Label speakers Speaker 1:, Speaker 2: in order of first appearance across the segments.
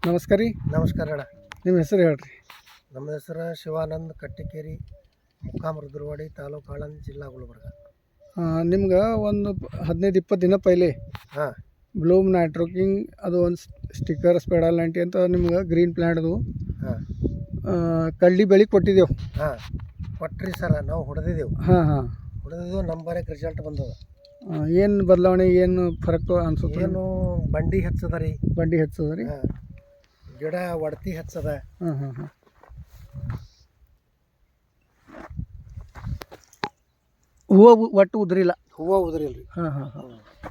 Speaker 1: ನಮಸ್ಕಾರ ರೀ.
Speaker 2: ನಮಸ್ಕಾರ ಅಣ್ಣ.
Speaker 1: ನಿಮ್ಮ ಹೆಸರು ಹೇಳ್ರಿ.
Speaker 2: ನಮ್ಮ ಹೆಸರು ಶಿವಾನಂದ್ ಕಟ್ಟಿಕೇರಿ, ಮುಕ್ಕಾಮ್ ರುದ್ರವಾಡಿ, ತಾಲೂಕು ಆಳಂದ್, ಜಿಲ್ಲಾ ಗುಲ್ಬರ್ಗ.
Speaker 1: ನಿಮ್ಗೆ ಒಂದು 15-20 ದಿನ ಪೈಲೆ
Speaker 2: ಹಾಂ
Speaker 1: ಬ್ಲೂಮ್ ನೈಟ್ರೋಕಿಂಗ್ ಅದು ಒಂದು ಸ್ಟಿಕ್ಕರ್ ಸ್ಪೆಡಲ್ 90 ಅಂತ ನಿಮ್ಗೆ ಗ್ರೀನ್ ಪ್ಲ್ಯಾಂಟ್ದು
Speaker 2: ಹಾಂ
Speaker 1: ಕಳ್ಳಿ ಬೆಳೆ ಕೊಟ್ಟಿದ್ದೆವು.
Speaker 2: ಹಾಂ ಕೊಟ್ರಿ ಸರ, ನಾವು ಹೊಡೆದಿದ್ದೆವು.
Speaker 1: ಹಾಂ
Speaker 2: ಹೊಡೆದಿದ್ದು ನಂಬರಕ್ಕೆ ರಿಸಲ್ಟ್ ಬಂದದ.
Speaker 1: ಏನು ಬದಲಾವಣೆ, ಏನು ಫರಕ್ ಅನ್ಸುತ್ತೆ?
Speaker 2: ಏನು ಬಂಡಿ ಹೆಚ್ಚದ ರೀ,
Speaker 1: ಬಂಡಿ ಹೆಚ್ಚದ ರೀ.
Speaker 2: ಹಾಂ ಗಿಡ ಒಡತಿ ಹೆಚ್ಚದ.
Speaker 1: ಹಾಂ ಹೂವು ಒಟ್ಟು ಉದ್ರಿಲ್ಲ.
Speaker 2: ಹೂವು ಉದುರಿಲ್ಲ ರೀ.
Speaker 1: ಹಾಂ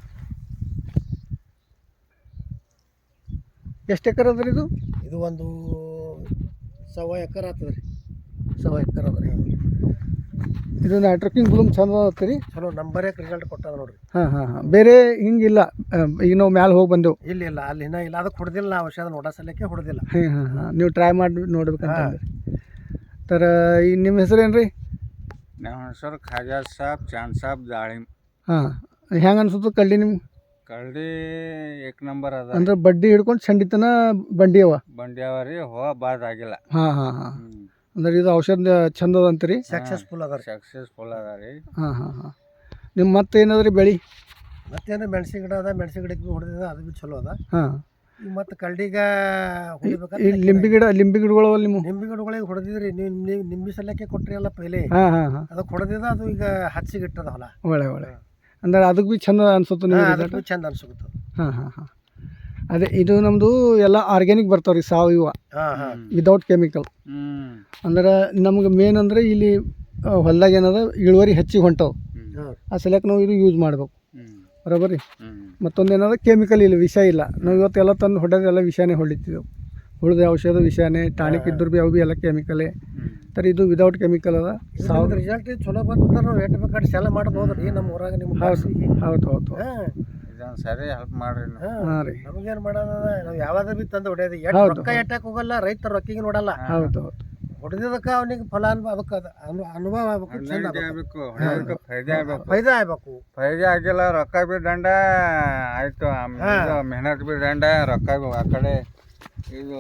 Speaker 1: ಎಷ್ಟು ಎಕರೆ ಅದ ರೀ ಇದು?
Speaker 2: ಇದು ಒಂದು 1.25 ಎಕರೆ ಆಗ್ತದೆ ರೀ.
Speaker 1: 1.25 ಎಕರೆ ಅದ ರೀ. ಇದು ನೈಟ್ರೋಕಿಂಗ್ ಬ್ಲೂಮ್ ಚಂದ ಅದ ರೀ.
Speaker 2: ಚಲೋ ನಂಬರಕ್ಕೆ ರಿಸಲ್ಟ್ ಕೊಟ್ಟದ ನೋಡ್ರಿ.
Speaker 1: ಹಾಂ ಬೇರೆ ಹಿಂಗಿಲ್ಲ. ಈಗ ನಾವು ಮ್ಯಾಲೆ ಹೋಗಿ ಬಂದೆವು.
Speaker 2: ಇಲ್ಲ ಅಲ್ಲಿ ಇನ್ನೂ ಇಲ್ಲ, ಅದಕ್ಕೆ ಹೊಡೆದಿಲ್ಲ. ನಾವು ಔಷಧ ನೋಡೋ ಸಲಕ್ಕೆ ಹೊಡೆದಿಲ್ಲ.
Speaker 1: ಹಾಂ ನೀವು ಟ್ರೈ ಮಾಡಿ ನೋಡ್ಬೇಕಂತಂದ್ರೆ ತರ. ಈಗ ನಿಮ್ಮ ಹೆಸರೇನು ರೀ?
Speaker 3: ನಮ್ಮ ಹೆಸರು ಖಾಜಾ ಸಾಬ್, ಚಾಂದ್ ಸಾಬ್, ದಾಳಿಮ್.
Speaker 1: ಹಾಂ ಹೆಂಗೆ ಅನ್ಸುತ್ತೆ ಕಳ್ಳಿ ನಿಮ್ಗೆ?
Speaker 3: ಕಳ್ಳಿ ಏಕ್ ನಂಬರ್ ಅದ.
Speaker 1: ಅಂದ್ರೆ ಬಡ್ಡಿ ಹಿಡ್ಕೊಂಡು ಚಂಡಿತನ ಬಂಡಿ ಅವ.
Speaker 3: ಬಂಡಿ ಅವ ರೀ, ಹೋ ಬಾದ್ ಆಗಿಲ್ಲ.
Speaker 1: ಹಾಂ ಅಂದ್ರೆ ಇದು ಔಷಧ ಚಂದ ಅದ ಅಂತೀರಿ?
Speaker 2: ಸಕ್ಸಸ್ಫುಲ್ ಅದ ರೀ.
Speaker 3: ಸಕ್ಸಸ್ಫುಲ್ ಅದ ರೀ.
Speaker 1: ಹಾಂ ನಿಮ್ಮ ಮತ್ತೆ ಏನದ ರೀ ಬೆಳೆ?
Speaker 2: ಮತ್ತೇನು ಮೆಣಸಿನ ಗಿಡ ಅದ, ಮೆಣಸಿನ ಗಿಡಕ್ಕೆ ಭೀ ಹೊಡೆದಿದೆ, ಅದು ಭೀ ಚಲೋ ಅದ.
Speaker 1: ಹಾಂ
Speaker 2: ಈಗ ಮತ್ತೆ ಕಳ್ಳಿಗ ಹೊಡಿಬೇಕಂತ
Speaker 1: ಈ ಲಿಂಬಿ ಗಿಡಗಳು ಅವ ನಿಮ್ಮ?
Speaker 2: ನಿಂಬೆ ಗಿಡಗಳಿಗೆ ಹೊಡೆದಿದ್ರಿ ನೀವು. ನಿಂಬೆ ಸಲಕ್ಕೆ ಕೊಟ್ರಿ ಅಲ್ಲ ಪೈಲೆ,
Speaker 1: ಹಾಂ
Speaker 2: ಅದಕ್ಕೆ ಹೊಡೆದಿದ. ಅದು ಈಗ ಹಚ್ಚಿಗೆ ಇಟ್ಟದ ಹೊಲ.
Speaker 1: ಒಳ್ಳೆ ಅಂದ್ರೆ ಅದಕ್ಕೆ ಭೀ ಚಂದ ಅನ್ಸುತ್ತೆ ನೀವು?
Speaker 2: ಅದಕ್ಕೆ ಭೀ ಚಂದ ಅನ್ಸುತ್ತೆ.
Speaker 1: ಹಾಂ ಅದೇ ಇದು ನಮ್ಮದು ಎಲ್ಲ ಆರ್ಗ್ಯಾನಿಕ್ ಬರ್ತಾವೆ ರೀ, ಸಾವಯವ, ವಿದೌಟ್ ಕೆಮಿಕಲ್. ಅಂದ್ರೆ ನಮ್ಗೆ ಮೇನ್ ಅಂದರೆ ಇಲ್ಲಿ ಹೊಲ್ದಾಗ ಏನದ ಇಳುವರಿ ಹೆಚ್ಚಿಗೆ ಹೊಂಟವು. ಆ ಸಲಕ್ಕೆ ನಾವು ಇದು ಯೂಸ್ ಮಾಡ್ಬೇಕು. ಬರೋಬ್ಬರಿ. ಮತ್ತೊಂದು ಏನದ ಕೆಮಿಕಲ್ ಇಲ್ಲ, ವಿಷ ಇಲ್ಲ. ನಾವು ಇವತ್ತೆಲ್ಲ ತಂದು ಹೊಡೆದೆಲ್ಲ ವಿಷಾನೇ ಹೊಡಿತಿದ್ದೆವು. ಉಳಿದ ಔಷಧ ವಿಷಾನೇ, ಟಾನಿಕ್ ಇದ್ದರೂ ಭೀ ಅವು ಭೀ ಎಲ್ಲ ಕೆಮಿಕಲೇ. ತರ ಇದು ವಿದೌಟ್ ಕೆಮಿಕಲ್ ಅದ.
Speaker 2: ರಿಸಲ್ಟ್ ಚಲೋ ಬಂತಂದ್ರೆ ನಾವು ಎಷ್ಟು ಬೇಕಾದ್ರೆ ಸೆಲ್ ಮಾಡ್ಬೋದು ರೀ ನಮ್ಮ ಊರಾಗ. ನಿಮ್ಮ
Speaker 1: ಹೌದು
Speaker 3: ಇದೊಂದು ಸರಿ ಹೆಲ್ಪ್ ಮಾಡ್ರಿ.
Speaker 1: ಹಾಂ ರೀ.
Speaker 2: ನಮಗೇನು ಮಾಡೋದ, ನಾವು ಯಾವಾಗ ಭೀ ತಂದು ಹೊಡೆಯೋದು. ರೊಕ್ಕ ಎಟ್ಟಕ್ಕೆ ಹೋಗಲ್ಲ, ರೈತರ ರೊಕ್ಕಿಗೆ ನೋಡಲ್ಲ.
Speaker 1: ಹೌದು
Speaker 2: ಹೊಡೆದಿದ್ದಕ್ಕೆ ಅವನಿಗೆ ಫಲ ಅದಕ್ಕೆ ಅನುಭವ ಆಗ್ಬೇಕು, ಚಂದ ಆಗ್ಬೇಕು, ಫೈದಾ ಆಗ್ಬೇಕು.
Speaker 3: ಫೈದಾ ಆಗಿಲ್ಲ, ರೊಕ್ಕ ಬಿ ದಂಡ ಆಯ್ತು, ಮೆಹನತ್ ಬಿ ದಂಡ, ರೊಕ್ಕ ಬಿ ಆ ಕಡೆ. ಇದು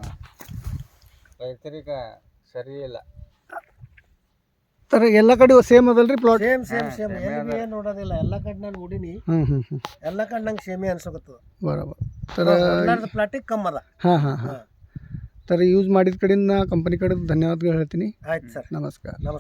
Speaker 3: ರೈತರಿಗೆ ಸರಿ ಇಲ್ಲ.
Speaker 1: ತರ ಎಲ್ಲ ಕಡೆ ಸೇಮ್ ಅದಲ್ರಿ ಪ್ಲಾಟ್?
Speaker 2: ಸೇಮ್ ಎಲ್ಲಿ ಏನು ನೋಡೋದಿಲ್ಲ. ಎಲ್ಲ ಕಡೆ ನಾನು ನೋಡೀನಿ, ಎಲ್ಲ ಕಡೆ ನಂಗೆ ಸೇಮೇ ಅನ್ಸಕತ್ತದ.
Speaker 1: ಬರೋಬರ್. ತರ
Speaker 2: ಪ್ಲಾಟಿಗೆ ಕಮ್ಮಿ ಅದ.
Speaker 1: ಹಾಂ ತರ ಯೂಸ್ ಮಾಡಿದ ಕಡೆಯಿಂದ ಕಂಪನಿ ಕಡೆ ಧನ್ಯವಾದಗಳು ಹೇಳ್ತೀನಿ.
Speaker 2: ಆಯ್ತು ಸರ್,
Speaker 1: ನಮಸ್ಕಾರ.